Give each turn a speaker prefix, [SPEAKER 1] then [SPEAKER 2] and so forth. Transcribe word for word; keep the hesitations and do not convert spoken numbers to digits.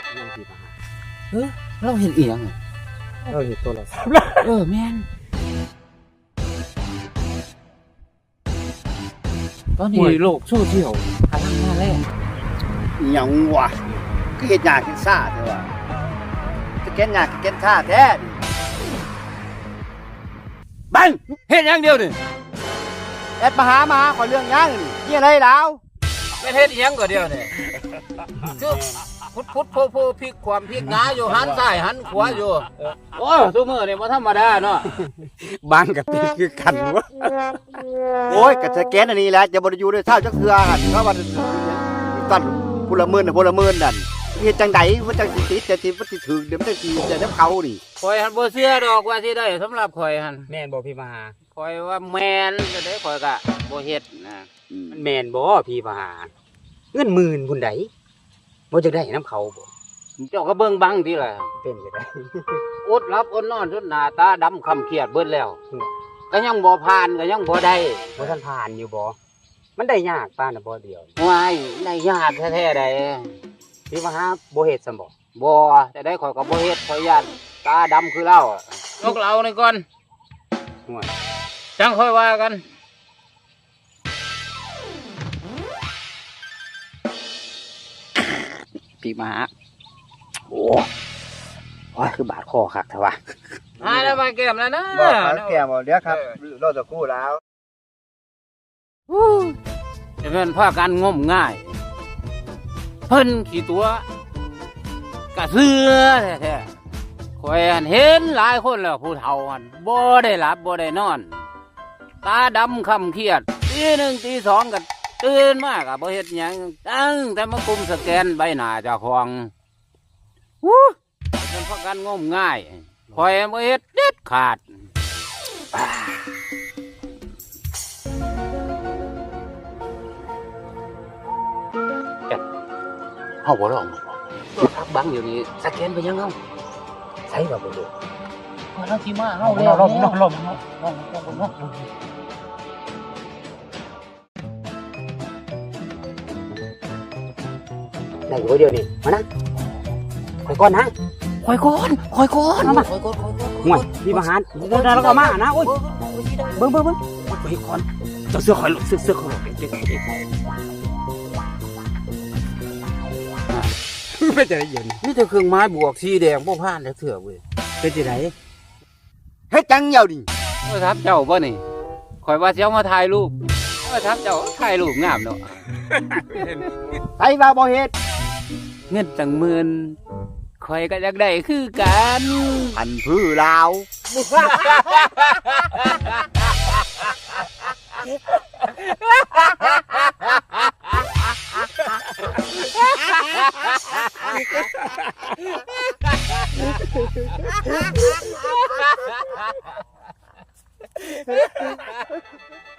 [SPEAKER 1] ยังสิมา
[SPEAKER 2] เออเราเห็นเอียงอะ
[SPEAKER 1] เราเห็นตัวเราสาม
[SPEAKER 2] เออแม่นตอนนี้โลกโซเชียลพลังมาแล้ว
[SPEAKER 3] อิหยังวะก็เฮ็ดยากเฮ็ดซ่าแท้ว่าจะเก็นยากเก็นท่าแท้ดิบัง
[SPEAKER 2] เฮ็ดอย่างเดียวนี่
[SPEAKER 3] แอดมาหามาขอเรื่องหยังนี่นี่อะไรแล้ว
[SPEAKER 2] แม่นเฮ็ดอีหยังก็เดียวนี่คือพุดพุดโพโพพลิกความพลิกหงาอยู่หันซ้ายหันขวาอยู่โอ้ซุมื้อนี่บ่ธรรมดาเนาะ
[SPEAKER 1] บางกับตีคือกันวะ
[SPEAKER 3] โอ้ยก็สแกนอันนี้แหละจะบ่ได้อยู่ด้วยเท่าจักเทื่อหั่นเพราะว่าตัดพลเมืองน่ะพลเมืองนั่นเฮ็ดจังไดมันจังสิติดจะสิมันสิถึงเดี๋ยวมันจังสิจะนำเขานี่
[SPEAKER 2] ข่อยหันบ่เชื่อดอกว่าสิได้สำหรับข่อยหัน
[SPEAKER 1] แม่นบ่พี่มหา
[SPEAKER 2] ข่อยว่าแม่นจะได้ข่อยก็บ่เฮ็ดนะ
[SPEAKER 1] มันแม่นบ่พี่มหาเงินหมื่นพุ่นใดบ่จะได้น้ำเขาบ่
[SPEAKER 2] เจ้าก็เบิ่งบังติล่ะ
[SPEAKER 1] เป็นจังได๋
[SPEAKER 2] อดหลับอดนอนจนหน้าตาดำคำเครียดเบิดแล้ว ก็ยังบ่ผ่านก็ยังบ่ได้
[SPEAKER 1] บ่ทันผ่านอยู่บ่มันได้ยากปานน่ะบ่เดียว
[SPEAKER 2] ว้ายได้ยากแท้ๆได้
[SPEAKER 1] พี่มหาบ่เฮ็ดซั่นบ่
[SPEAKER 2] บ่แต่ได้ข่อยก็บ่เฮ็ดข่อยย่านตาดำคือเราอะยกเรานี่ก่อน
[SPEAKER 1] ห่วย
[SPEAKER 2] จังค่อยว่ากันพี่มาหา
[SPEAKER 1] โอ้โอ้ยคือบาดคอคักแท้วะ
[SPEAKER 2] หาแล้วมาแก้มแล้วนะ
[SPEAKER 3] บอกครับแก้บ่เดี๋ยวครับรอสักครู่แล้ว
[SPEAKER 2] จะเป็นพากันงมง่าย เพิ่นขี้ตัวกะเสือแท้ๆข่อยหันเห็นหลายคนแล้วผู้เฒ่าหันบ่ได้หลับบ่ได้นอน ตาดำคำเครียดตีหนึ่งตีสองก็ตื่นมากะบ่เฮ็ดหยังตั้งแต่มากุมสแกนใบหน้าเจ้าของวู้เป็นพากันงมง่ายข่อยบ่เฮ็ดเด็ดขาด
[SPEAKER 1] เฮาบ่ลองบ่
[SPEAKER 2] พักบังอยู่นี่สแกนไปยังเฮา
[SPEAKER 1] ใส่บ่บ่ดู
[SPEAKER 2] พอเราสิมาเฮา
[SPEAKER 1] ลองลองลองลอง
[SPEAKER 2] ลองลองลอง
[SPEAKER 1] ได้อยู่เดียวนี่มานะค่อยก่อนนะ
[SPEAKER 2] คอยก่อนคอยก่อน
[SPEAKER 1] มามา
[SPEAKER 2] คอยก่อนคอยก่อน
[SPEAKER 1] ห่วยพี่มหาเดินแล้วก็มานะโอ้ยเบิ่งเบิ่งเบิ่งไปก่อนเจ้าเสื้อข่อยเสื้อเสื้อข่อยเด็กๆไม่จะได้เย็น
[SPEAKER 2] นี่แต่เครื่องไม้บวกสีแดงบ่ผ่านแล้วเถื่อเว้ย
[SPEAKER 1] เป็นจังได๋
[SPEAKER 3] เฮ็ดจังเหี่ยวดิ
[SPEAKER 2] โทรศัพท์เจ้าบ่นี่คอยว่าสิเอามาถ่ายรูปโทรศัพท์เจ้าถ่ายรูปงามเนาะ
[SPEAKER 3] ไผว่าบ่เฮ็ด
[SPEAKER 2] เงินจังหมื่นคอยก็อยากได้คือกัน
[SPEAKER 3] พันพื้อลาว
[SPEAKER 2] เ